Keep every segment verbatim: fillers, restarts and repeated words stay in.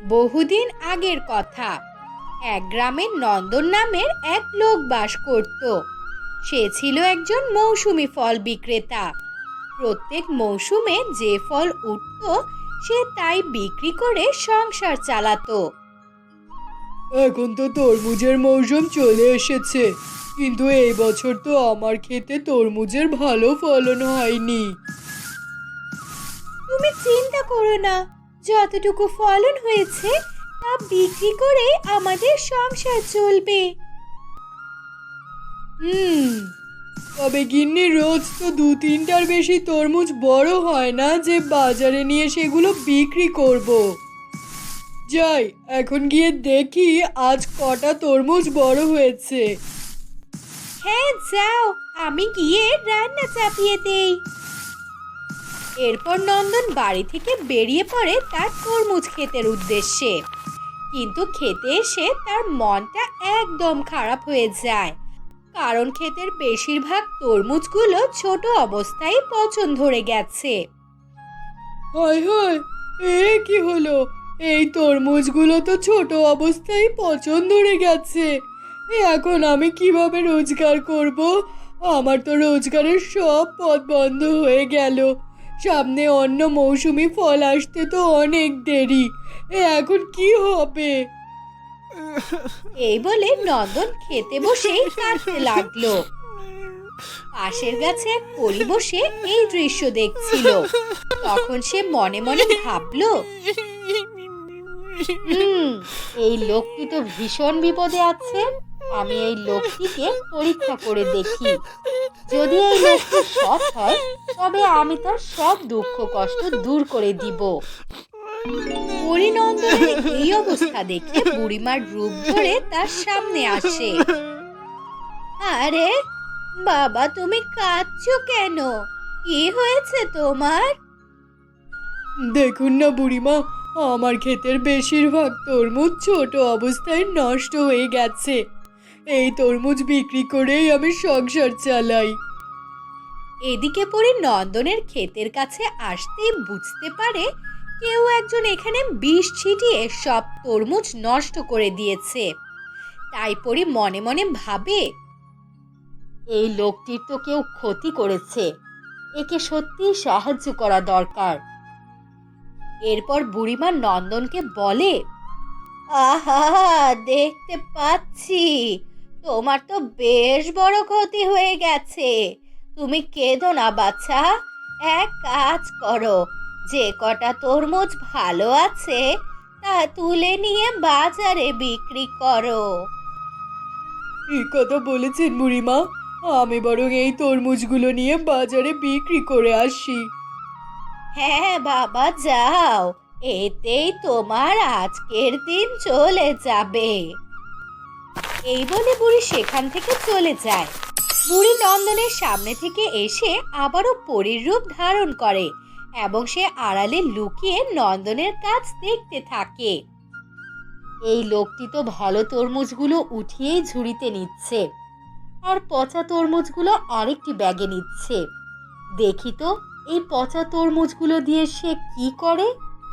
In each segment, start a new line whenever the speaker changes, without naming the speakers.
বহুদিন আগের কথা। এক গ্রামে নন্দন নামের এক লোক বাস করত। সে ছিল একজন মৌসুমী ফল বিক্রেতা। প্রত্যেক মৌসুমে যে ফল উঠত সে তাই বিক্রি করে সংসার চালাতো।
এখন তো তরমুজের মৌসুম চলে এসেছে, কিন্তু এই বছর তো আমার ক্ষেতে তরমুজের ভালো ফলন হয়নি।
তুমি চিন্তা করো না, যতটুকু ফলন হয়েছে তা বিক্রি করে আমাদের সংসার চলবে।
হুম তবে গিন্নি, রোজ তো দু তিনটার বেশি তরমুজ বড় হয় না যে বাজারে নিয়ে সেগুলো বিক্রি করব। যাই, এখন গিয়ে দেখি আজ কটা তরমুজ বড় হয়েছে।
হ্যাঁ যাও, আমি গিয়ে রান্না চাপিয়ে দেই। এরপর নন্দন বাড়ি থেকে বেরিয়ে পড়ে তার তরমুজ ক্ষেতের উদ্দেশ্যে। কিন্তু খেতে এসে তার মনটা একদম খারাপ হয়ে যায়, কারণ ক্ষেতের বেশিরভাগ তরমুজগুলো ছোট অবস্থায় পচন ধরে গেছে।
হায় হায়, এ কি হলো? এই তরমুজগুলো তো ছোট অবস্থায় পচন ধরে গেছে। এখন আমি কিভাবে রোজগার করব? আমার তো রোজগারের সব পথ বন্ধ হয়ে গেল। সামনে অন্য মৌসুমি ফল আসতে তো অনেক দেরি। এ এখন কি হবে?
এই বলে নন্দন খেতে বসেই কাঁদতে লাগলো। পাশের গাছে এক পরী বসে এই দৃশ্য দেখছিল। তখন সে মনে মনে ভাবলো, হুম এই লোকটি তো ভীষণ বিপদে আছে। আমি এই লোকটিকে পরীক্ষা করে দেখি। যদি এই লোকটি সৎ হয় তবে আমি তার সব দুঃখ কষ্ট দূর করে দিব। পরিনন্দনের এই অবস্থা দেখে বুড়িমার রূপ ধরে তার সামনে আসে। আরে বাবা, তুমি কাঁদছো কেন? কি হয়েছে তোমার?
দেখুন না বুড়িমা, আমার ক্ষেতের বেশিরভাগ তরমুজ ছোট অবস্থায় নষ্ট হয়ে গেছে। এই তরমুজ বিক্রি করেই আমি সংসার চালাই।
এদিকে পরে নন্দনের ক্ষেতের কাছে আসতেই বুঝতে পারে কেউ একজন এখানে বিষ ছিটিয়ে সব তরমুজ নষ্ট করে দিয়েছে। তাই পরে মনে মনে ভাবে, এই লোকটির তো কেউ ক্ষতি করেছে, একে সত্যিই সাহায্য করা দরকার। এরপর বুড়িমা নন্দনকে বলে, আহা, দেখতে পাচ্ছি তোমার তো বেশ বড় ক্ষতি হয়ে গেছে। তুমি কেঁদো না বাছা, এক কাজ করো, যে কটা তরমুজ ভালো আছে তা তুলে নিয়ে বাজারে বিক্রি করো।
এই কথা বলেছেন বুড়িমা, আমি বরং এই তরমুজগুলো নিয়ে বাজারে বিক্রি করে আসি।
হ্যাঁ বাবা, যাও, এতেই তোমার আজকের দিন চলে যাবে। এই বলে বুড়ি সেখান থেকে চলে যায়। বুড়ি নন্দনের সামনে থেকে এসে আবারও পরীর রূপ ধারণ করে এবং সে আড়ালে লুকিয়ে নন্দনের কাজ দেখতে থাকে। এই লোকটি তো ভালো তরমুজগুলো উঠিয়েই ঝুড়িতে নিচ্ছে, আর পচা তরমুজগুলো আরেকটি ব্যাগে নিচ্ছে। দেখি তো এই পচা তরমুজগুলো দিয়ে সে কি করে।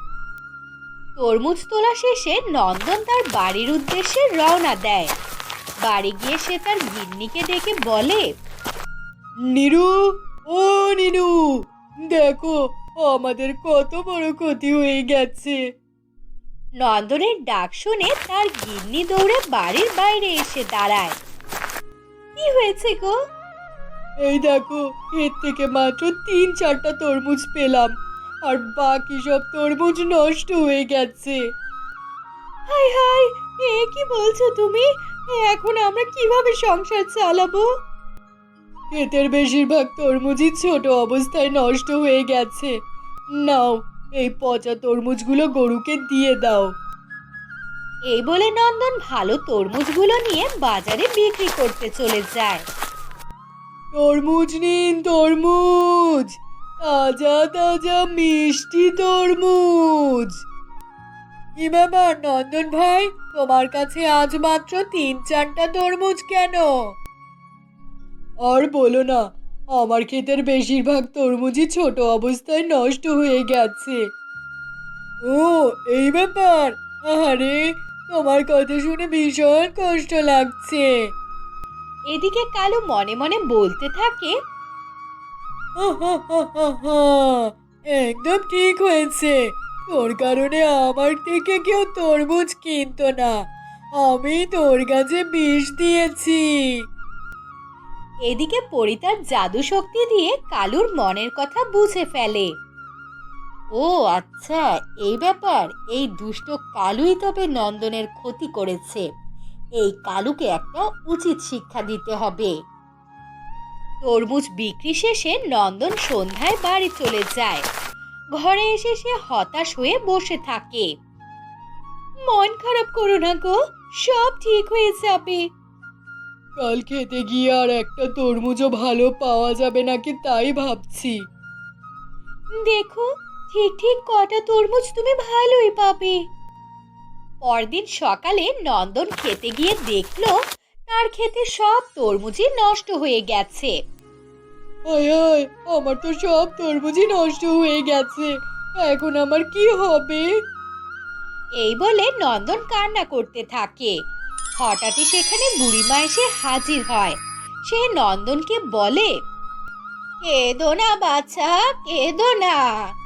তরমুজ তোলা শেষে নন্দন তার বাড়ির উদ্দেশ্যে রওনা দেয়। বাড়ি গিয়ে সে তার গিন্নিকে ডেকে বলে,
নিরু, ও নিরু, দেখো আমাদের কত বড় ক্ষতি হয়ে গেছে।
নন্দনের ডাক শুনে তার গিন্নি দৌড়ে বাড়ির বাইরে এসে দাঁড়ায়। কি হয়েছে গো?
এই দেখো, এর থেকে মাত্র তিন চারটা তরমুজ পেলাম, আর বাকি সব তরমুজ নষ্ট হয়ে গেছে।
হায় হায়, এ কি বলছো তুমি? এখন আমরা কিভাবে সংসার চালাবো?
ক্ষেতের বেশিরভাগ তরমুজই ছোট অবস্থায় নষ্ট হয়ে গেছে। নাও, এই পচা তরমুজগুলো গরুকে দিয়ে দাও।
এই বলে নন্দন ভালো তরমুজগুলো নিয়ে বাজারে বিক্রি করতে চলে যায়।
তরমুজ নিন, তরমুজ, তাজা তাজা মিষ্টি তরমুজ। কি ব্যাপার নন্দন ভাই, তোমার কাছে আজ মাত্র তিন চারটা তরমুজ কেন? আর বলো না, আমার ক্ষেতের বেশিরভাগ তরমুজই ছোট অবস্থায় নষ্ট হয়ে গেছে। ও, এই ব্যাপার, আরে, তোমার কথা শুনে ভীষণ কষ্ট লাগছে।
এদিকে কালু মনে মনে বলতে থাকে,
আহাহাহাহা, একদম ঠিক হয়েছে। তোর কারণে আমার থেকে কেউ তরমুজ কিনতো না। আমি তোর কাছে বিষ দিয়েছি।
এদিকে পরি তার জাদু শক্তি দিয়ে কালুর মনের কথা বুঝে ফেলে। ও আচ্ছা, এই ব্যাপার। এই দুষ্ট কালুই তবে নন্দনের ক্ষতি করেছে। এই কালুকে একটা উচিত শিক্ষা দিতে হবে। তরমুজ বিক্রি শেষে নন্দন সন্ধ্যায় বাড়ি চলে যায়। ঘরে এসে সে হতাশ হয়ে বসে থাকে। মন খারাপ করো না গো, সব ঠিক হয়ে যাবে।
কাল খেতে গিয়ে আর একটা তরমুজও ভালো পাওয়া যাবে নাকি তাই ভাবছি।
দেখো, ঠিক ঠিক কটা তরমুজ তুমি ভালোই পাবে। পরদিন সকালে নন্দন খেতে গিয়ে দেখলো তার ক্ষেতে সব তরমুজই নষ্ট হয়ে গেছে।
আয় আয়, আমার তো সব তরমুজই নষ্ট হয়ে গেছে। এখন আমার কি হবে?
এই বলে নন্দন কান্না করতে থাকে। হঠাৎই সেখানে বুড়িমা এসে হাজির হয়। সে নন্দনকে বলে, কেঁদো না বাছা, কেঁদো না।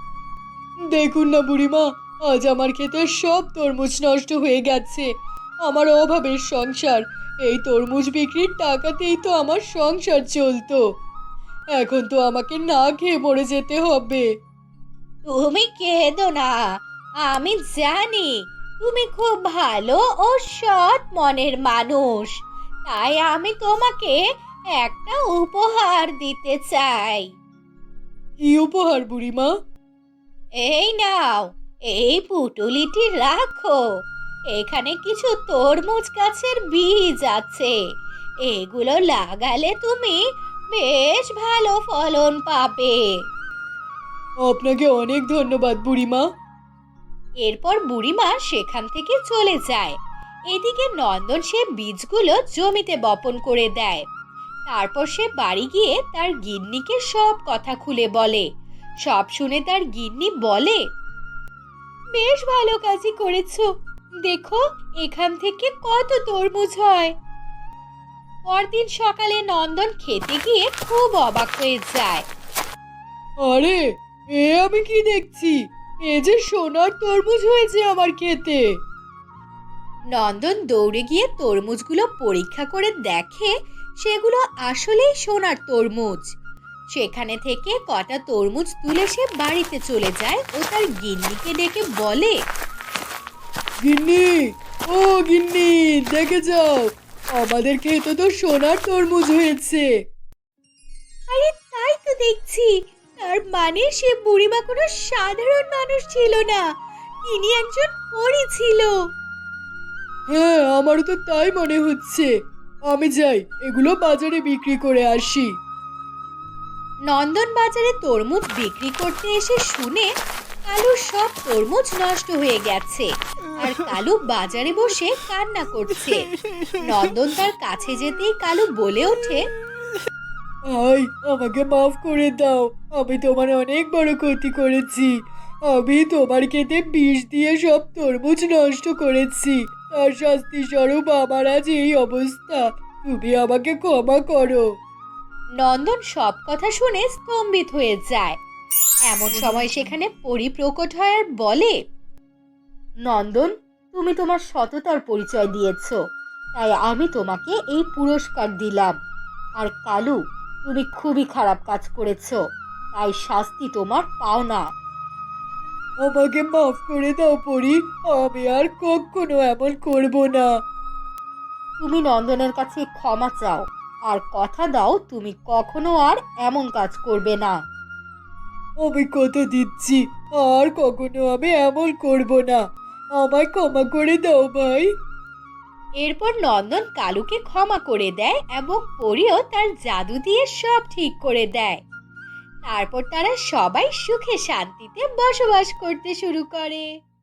দেখুন না বুড়িমা, আজ আমার ক্ষেতের সব তরমুজ নষ্ট হয়ে গেছে। আমার অভাবের সংসার, এই তরমুজ বিক্রির টাকাতেই তো আমার সংসার চলতো। এখন তো আমাকে না খেয়ে মরে যেতে হবে।
তুমি কেঁদো না, আমি জানি তুমি খুব ভালো ও সৎ মনের মানুষ। তাই আমি তোমাকে একটা উপহার দিতে চাই।
কি উপহার বুড়িমা?
এই নাও, এই পুটুলিটি রাখো। এখানে কিছু তরমুজ গাছের বীজ আছে। এগুলো লাগালে তুমি বেশ ভালো ফলন পাবে।
আপনাকে অনেক ধন্যবাদ বুড়িমা।
এরপর বুড়িমা সেখান থেকে চলে যায়। এদিকে নন্দন সে বীজগুলো জমিতে বপন করে দেয়। তারপর সে বাড়ি গিয়ে তার গিন্নিকে সব কথা খুলে বলে। সব শুনে তার গিন্নি বলে, বেশ ভালো কাজই করেছো। দেখো, এখান থেকে কত তরমুজ হয়। পরদিন সকালে নন্দন খেতে গিয়ে খুব অবাক হয়ে যায়।
আরে, এ আমি কি দেখছি? এ যে সোনার তরমুজ হয়েছে আমার খেতে।
নন্দন দৌড়ে গিয়ে তরমুজগুলো পরীক্ষা করে দেখে সেগুলো আসলেই সোনার তরমুজ। সেখানে থেকে কটা তরমুজ তুলে সে বাড়িতে চলে যায় ও তার গিন্নিকে ডেকে বলে,
গিন্নি, ও গিন্নি, দেখে যাও, আমাদের খেতে তো সোনার তরমুজ হয়েছে।
আরে তাই তো দেখছি। তার মানে সে বুড়িমা কোনো সাধারণ মানুষ ছিল না, তিনি একজন পরী ছিল।
হ্যাঁ, আমারও তো তাই মনে হচ্ছে। আমি যাই, এগুলো বাজারে বিক্রি করে আসি।
নন্দন বাজারে তরমুজ বিক্রি করতে এসে শুনে কালুর সব তরমুজ নষ্ট হয়ে গেছে আর কালু বাজারে বসে কান্না করছে। নন্দন তার কাছে যেতেই কালু বলে ওঠে,
আই, আমাকে মাফ করে দাও। আমি তোমার অনেক বড় ক্ষতি করেছি। আমি তোমার খেতে বিষ দিয়ে সব তরমুজ নষ্ট করেছি। তার শাস্তি স্বরূপ আমার আজ এই অবস্থা। তুমি আমাকে ক্ষমা করো।
নন্দন সব কথা শুনে স্তম্ভিত হয়ে যায়। এমন সময় সেখানে পরী প্রকট হয় আর বলে, নন্দন, তুমি তোমার সততার পরিচয় দিয়েছো, তাই আমি তোমাকে এই পুরস্কার দিলাম। আর কালু, তুমি খুবই খারাপ কাজ করেছো, তাই শাস্তি তোমার পাওনা।
আমাকে মাফ করে দাও পরি, আমি আর কখনো এমন করব না।
তুমি নন্দনের কাছে ক্ষমা চাও আর কথা দাও তুমি কখনো আর এমন কাজ করবে না।
আমি কথা দিচ্ছি, আর কখনো আমি এমন করব না। আমায় ক্ষমা করে দাও ভাই।
এরপর নন্দন কালুকে ক্ষমা করে দেয় এবং পরীও তার জাদু দিয়ে সব ঠিক করে দেয়। তারপর তারা সবাই সুখে শান্তিতে বসবাস করতে শুরু করে।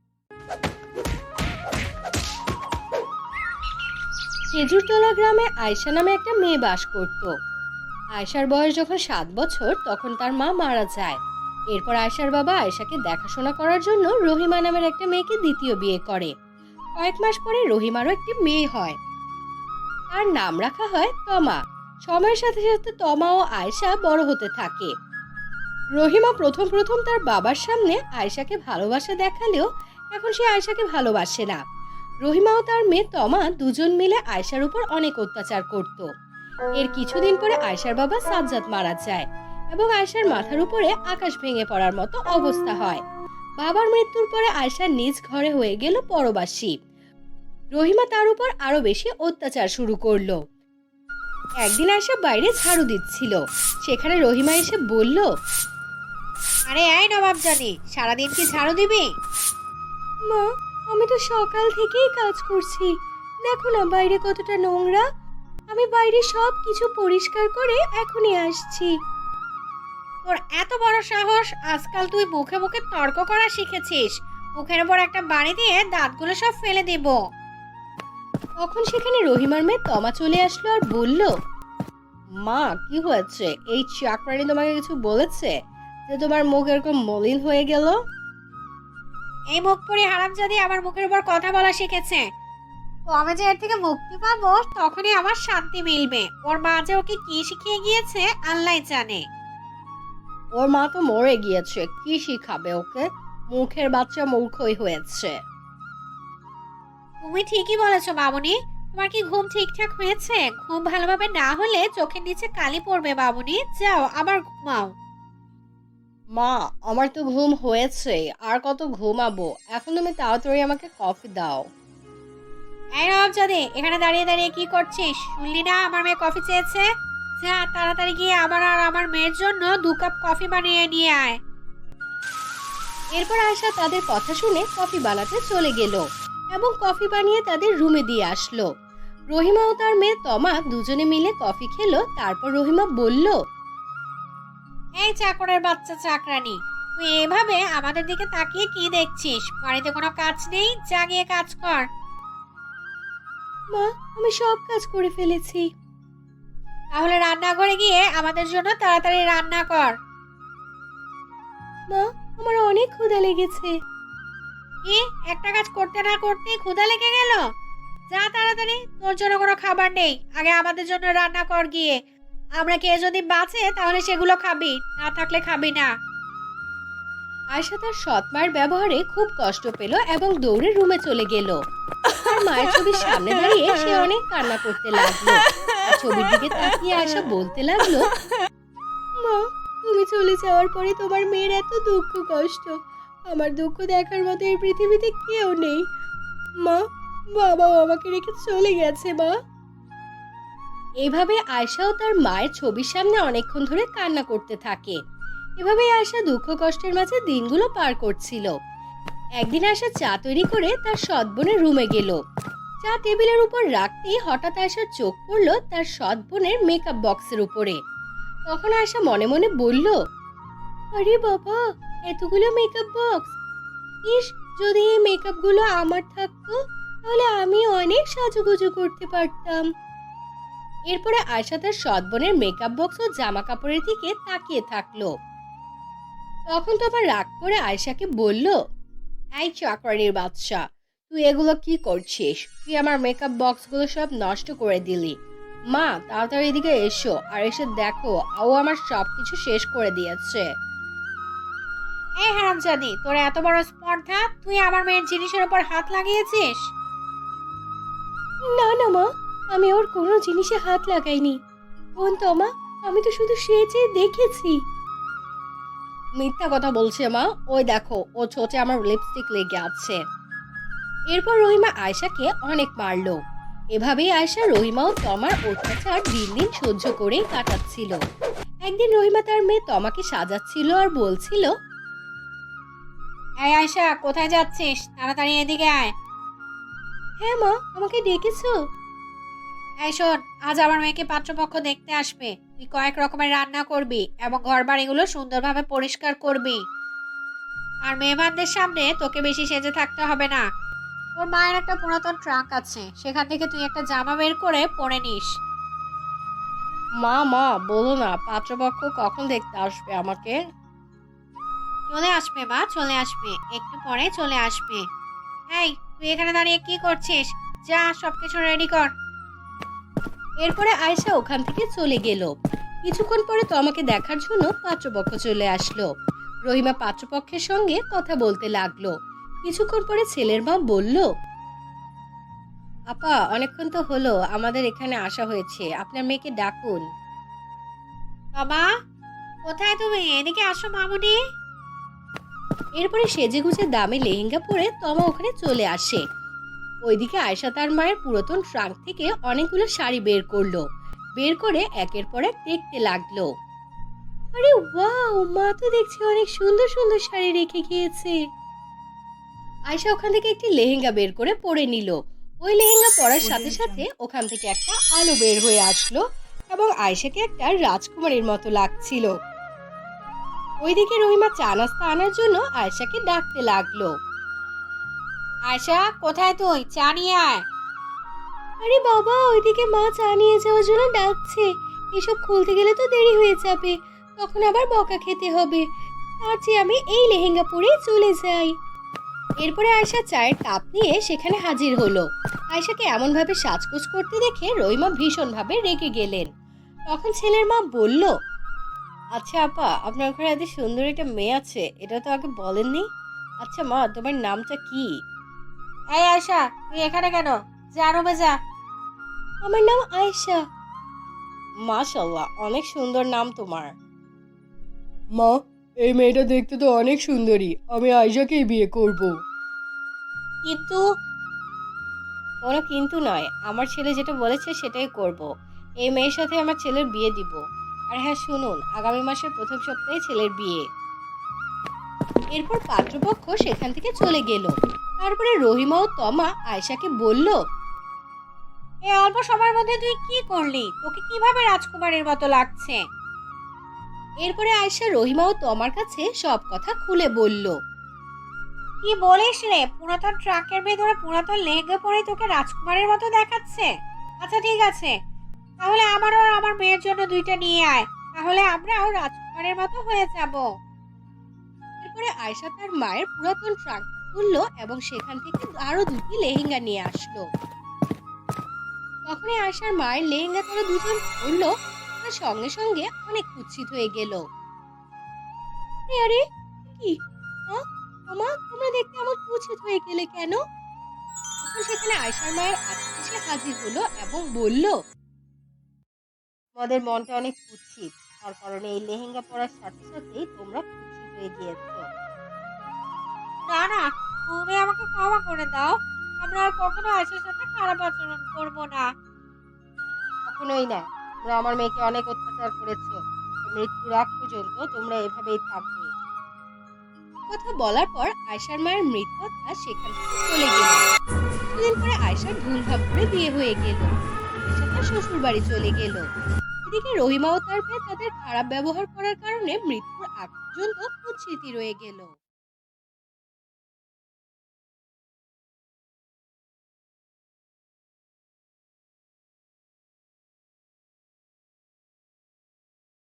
খেজুরতলা গ্রামে আয়শা নামে একটা মেয়ে বাস করত। আয়শার বয়স যখন সাত বছর তখন তার মা মারা যায়। এরপর আয়শার বাবা আয়শাকে দেখাশোনা করার জন্য রহিমা নামের একটা মেয়েকে দ্বিতীয় বিয়ে করে। কয়েক মাস পরে রহিমারও একটি মেয়ে হয়। তার নাম রাখা হয় তমা। সময়ের সাথে সাথে তমা ও আয়েশা বড় হতে থাকে। রহিমা প্রথম প্রথম তার বাবার সামনে আয়েশাকে ভালোবাসা দেখালেও এখন সে আয়েশাকে ভালোবাসে না। রহিমা ও তার মেয়ে তমা দুজন মিলে আয়েশার উপর অনেক অত্যাচার করত। এর কিছুদিন পরে আয়েশার বাবা সাজ্জাদ মারা যায় এবং আয়েশার মাথার উপরে আকাশ ভেঙে পড়ার মতো অবস্থা হয়। বাবার মৃত্যুর পরে আয়েশা নিজ ঘরে হয়ে গেল পরবাসী। রহিমা তার উপর আরো বেশি অত্যাচার শুরু করলো। একদিন আয়েশা বাইরে ঝাড়ু দিচ্ছিল, সেখানে রহিমা এসে বলল, আরে এই নবাব জানি, সারাদিন কি ঝাড়ু দিবি? মা, আমি তো সকাল থেকেই কাজ করছি, দেখো না বাইরে কতটা নোংরা। আমি বাইরে সব কিছু পরিষ্কার করে এখনই আসছি। তোর এত বড় সাহস, আজকাল তুই মুখে মুখে তর্ক করা শিখেছিস। মুখের উপর একটা বাড়ি দিয়ে দাঁতগুলো সব ফেলে দেব। তখন সেখানে রহিমার মেয়ে তমা চলে আসলো আর বলল, মা কি হয়েছে? এই চাকরানি তোমাকে কিছু বলেছে যে তোমার মুখ এরকম মলিন হয়ে গেল? এই মুখ পরি হারামজাদি আমার মুখের উপর কথা বলা শিখেছে। ও আমি যে এর থেকে মুক্তি পাবো তখনই আমার শান্তি মিলবে। ওর মা যে ওকে কি শিখিয়ে গিয়েছে আল্লাহ জানে। ওর মা তো মরে গিয়েছে, কি শিখাবে ওকে? মুখের বাচ্চা মূর্খই হয়েছে। তুমি ঠিকই বলেছো বাবুনি। তোমার কি ঘুম ঠিকঠাক হয়েছে? ঘুম ভালোভাবে না হলে চোখের নিচে কালি পড়বে বাবুনি। যাও আবার ঘুমাও। মা, আমার তো ঘুম হয়েছে, আর কত ঘুমাবো? এখন তুমি তাড়াতাড়ি আমাকে কফি দাও। এই নবাবজাদে, এখানে দাঁড়িয়ে দাঁড়িয়ে কি করছিস? শুনলি না আমার মেয়ে কফি চেয়েছে? যা তাড়াতাড়ি গিয়ে আমার আর আমার মেয়ের জন্য দু কাপ কফি বানিয়ে নিয়ে আয়। এরপর আয়েশা তাদের কথা শুনে কফি বানাতে চলে গেল এবং কফি বানিয়ে তাদের রুমে দিয়ে আসলো। রহিমা ও তার মেয়ে তমা দুজনে মিলে কফি খেলো। তারপর রহিমা বলল, এই চাকরের বাচ্চা চাকরানি, তুই এভাবে আমাদের দিকে তাকিয়ে কি দেখছিস? বাড়িতে কোনো কাজ নেই? যা গিয়ে কাজ কর। মা, আমি সব কাজ করে ফেলেছি। তাহলে রান্নাঘরে গিয়ে আমাদের জন্য তাড়াতাড়ি রান্না কর। মা, আমার অনেক ক্ষুধা লেগেছে। কি, একটা কাজ করতে না করতেই ক্ষুধা লেগে গেল? যা তাড়াতাড়ি, তোর জন্য কোনো খাবার নেই, আগে আমাদের জন্য রান্না কর গিয়ে। আমরা কে যদি বাঁচে তাহলে সেগুলো খাবি, না থাকলে খাবি না। আয়েশা তার সৎ মায়ের ব্যবহারে খুব কষ্ট পেল এবং দৌড়ে রুমে চলে গেল। তার মায়ের ছবির সামনে দাঁড়িয়ে সে অনেক কান্না করতে লাগলো। আর ছবির দিকে তাকিয়ে আয়েশা বলতে লাগলো, মা, তুমি চলে যাওয়ার পরে তোমার মেয়ের এত দুঃখ কষ্ট, আমার দুঃখ দেখার মতো এই পৃথিবীতে কেউ নেই। মা, বাবাও আমাকে রেখে চলে গেছে। মা। এইভাবে আয়েশাও তার মায়ের ছবির সামনে অনেকক্ষণ ধরে কান্না করতে থাকে। এভাবেই আয়েশা দুঃখ কষ্টের মাঝে দিনগুলো পার করছিল। একদিন আয়েশা চা তৈরি করে তার সৎ বোনের রুমে গেল। চা টেবিলের উপর রাখতেই হঠাৎ আয়েশার চোখ পড়ল তার সৎ বোনের মেকআপ বক্সের উপরে। তখন আয়েশা মনে মনে বলল, আরে বাবা, এতগুলো মেকআপ বক্স! ইস, যদি এই মেকআপগুলো আমার থাকতো তাহলে আমি অনেক সাজুগুজু করতে পারতাম। এরপরে আয়েশা তার সৎ বোনের মেকআপ বক্স ও জামা কাপড়ের দিকে তাকিয়ে থাকলো। তখন তোমার রাগ করে আয়েশাকে বলল, এই চাকরানির বাচ্চা, তুই এগুলো কি করছিস? তুই আমার মেকআপ বক্সগুলো সব নষ্ট করে দিলি। মা, তাড়াতাড়ি এদিকে এসো আর এসে দেখো, ও আমার সবকিছু শেষ করে দিয়েছে। এই হারামজাদি, তোর এত বড় স্পর্ধা, তুই আমার মেয়ের জিনিসের উপর হাত লাগিয়েছিস? না না মা, আমি ওর কোনো জিনিসে হাত লাগাইনি। বোন তমা, আমি তো শুধু সেজে দেখেছি। মিথ্যা কথা বলছে মা, ওই দেখো ও ছোটে আমার লিপস্টিক লেগে আছে। এরপর রহিমা আয়েশাকে অনেক মারলো। এভাবেই আয়েশা রহিমা ও তমার অত্যাচার দিন দিন সহ্য করেই কাটাচ্ছিল। একদিন রহিমা তার মেয়ে তমাকে সাজাচ্ছিল আর বলছিল, এই আয়েশা, কোথায় যাচ্ছিস? তাড়াতাড়ি এদিকে আয়। হ্যাঁ মা, আমাকে ডেকেছো? এই শোন, আজ আমার মেয়েকে পাত্রপক্ষ দেখতে আসবে। তুই কয়েক রকমের রান্না করবি এবং ঘর বাড়িগুলো সুন্দরভাবে পরিষ্কার করবি। আর মেহমানদের সামনে তোকে বেশি সেজে থাকতে হবে না। তোর মায়ের একটা পুরাতন ট্রাঙ্ক আছে, সেখান থেকে তুই একটা জামা বের করে পরে নিস। মা মা বলো না, পাত্রপক্ষ কখন দেখতে আসবে আমাকে? চলে আসবে মা, চলে আসবে, একটু পরে চলে আসবে। এই তুই এখানে দাঁড়িয়ে কি করছিস? যা সবকিছু রেডি কর। এরপরে আয়েশা ওখান থেকে চলে গেল। কিছুক্ষণ পরে তো আমাকে দেখার জন্য পাত্রপক্ষ চলে আসলো। রহিমা পাত্রপক্ষের সঙ্গে কথা বলতে লাগলো। কিছুক্ষণ পরে ছেলের মা বলল, আপা অনেকক্ষণ তো হলো আমাদের এখানে আসা হয়েছে, আপনার মেয়েকে ডাকুন। বাবা কোথায় তুমি? এদিকে আসো মামুনি। এরপরে সেজেগুজে দামি লেহেঙ্গা পরে তমা ওখানে চলে আসে। ওইদিকে আয়েশা তার মায়ের পুরাতন ট্রাঙ্ক থেকে অনেকগুলো শাড়ি বের করলো। বের করে একের পর এক দেখতে লাগলো। আরে ওয়াও, মা তো দেখছি অনেক সুন্দর সুন্দর শাড়ি রেখে গিয়েছে। আয়েশা ওখান থেকে একটি লেহেঙ্গা বের করে পরে নিল। ওই লেহেঙ্গা পরার সাথে সাথে ওখান থেকে একটা আলো বের হয়ে আসলো এবং আয়েশাকে একটা রাজকুমারীর মতো লাগছিল। ওইদিকে রহিমা চা নাস্তা আনার জন্য আয়েশাকে ডাকতে লাগলো। আয়েশা কোথায় তুই? চা নিয়ে আয়। আরে বাবা, ওইদিকে মা চা নিয়ে যাওয়ার জন্য ডাকছে। এসব খুলতে গেলে তো দেরি হয়ে যাবে, তখন আবার বকা খেতে হবে। তার চেয়ে আমি এই লেহেঙ্গা পরে চলে যাই। এরপরে আয়েশা চায়ের কাপ নিয়ে সেখানে হাজির হলো। আয়েশাকে এমন ভাবে সাজগোজ করতে দেখে রহিমা ভীষণ ভাবে রেগে গেলেন। তখন ছেলের মা বলল, আচ্ছা আপা, আপনার ঘরে এত সুন্দর একটা মেয়ে আছে, এটা তো আগে বলেননি। আচ্ছা মা, তোমার নামটা কি? এই আয়েশা, তুই এখানে কেন? যা রুমে যা। আমার নাম আয়েশা। মাশাআল্লাহ, অনেক সুন্দর নাম তোমার।
মা, এই মেয়েটা দেখতে তো অনেক সুন্দরী, আমি আয়েশাকেই বিয়ে করব।
কিন্তু কোনো কিন্তু নয়, আমার ছেলে যেটা বলেছে সেটাই করব। এই মেয়ের সাথে আমার ছেলের বিয়ে দিব। আর হ্যাঁ শুনুন, আগামী মাসের প্রথম সপ্তাহে ছেলের বিয়ে। এরপর পাত্রপক্ষ সেখান থেকে চলে গেল। তারপরে রহিমা ও তমা আয়েশাকে বলল, এই অল্প সময়ের মধ্যে তুই কি করলি? তোকে কিভাবে রাজকুমারীর মতো লাগছে? এরপরে আয়েশা রহিমা ও তমার কাছে সব কথা খুলে বলল। কি বলিস রে? পুরাতন ট্রাকের ভেতরে পুরাতন লেহেঙ্গা পরে তোকে রাজকুমারীর মতো দেখাচ্ছে? আচ্ছা ঠিক আছে, তাহলে আমারও আর আমার মেয়ের জন্য দুইটা নিয়ে আয়, তাহলে আমরাও রাজকুমারীর মতো হয়ে যাব। এরপরে আয়েশা তার মায়ের পুরাতন ট্রাঙ্ক খুললো এবং সেখান থেকে আরো দুটি লেহেঙ্গা নিয়ে আসলো। তখনই আয়েশার মায়ের লেহেঙ্গা তারা দুজন পরলো, তার সঙ্গে সঙ্গে অনেক কুৎসিত হয়ে গেল। আরে কি মা, তোমরা দেখতে এমন কুৎসিত হয়ে গেলে কেন? তখন সেখানে আয়েশার মায়ের আত্মীয় এসে হাজির হলো এবং বলল, তোমাদের মনটা অনেক কুৎসিত, তার কারণে এই লেহেঙ্গা পরার সাথে সাথেই তোমরা কুৎসিত হয়ে গিয়েছো। না না, তুমি আমাকে ক্ষমা করে দাও, আমরা আর কখনো আয়েশার সাথে খারাপ আচরণ করব না। কখনোই না, তোমরা আমার মেয়েকে অনেক অত্যাচার করেছো, মৃত্যুর আগ পর্যন্ত তোমরা এভাবেই থাকবে। কথা বলার পর আয়েশার মায়ের মৃত্যুটা সেখান থেকে চলে গেল। কিছুদিন পরে আয়েশার ধুমধাম করে বিয়ে হয়ে গেল। আয়েশা তার শ্বশুর বাড়ি চলে গেল। এদিকে রহিমা ও তার মেয়ে তাদের খারাপ ব্যবহার করার কারণে মৃত্যুর আগ পর্যন্ত কুৎসিত রয়ে গেল।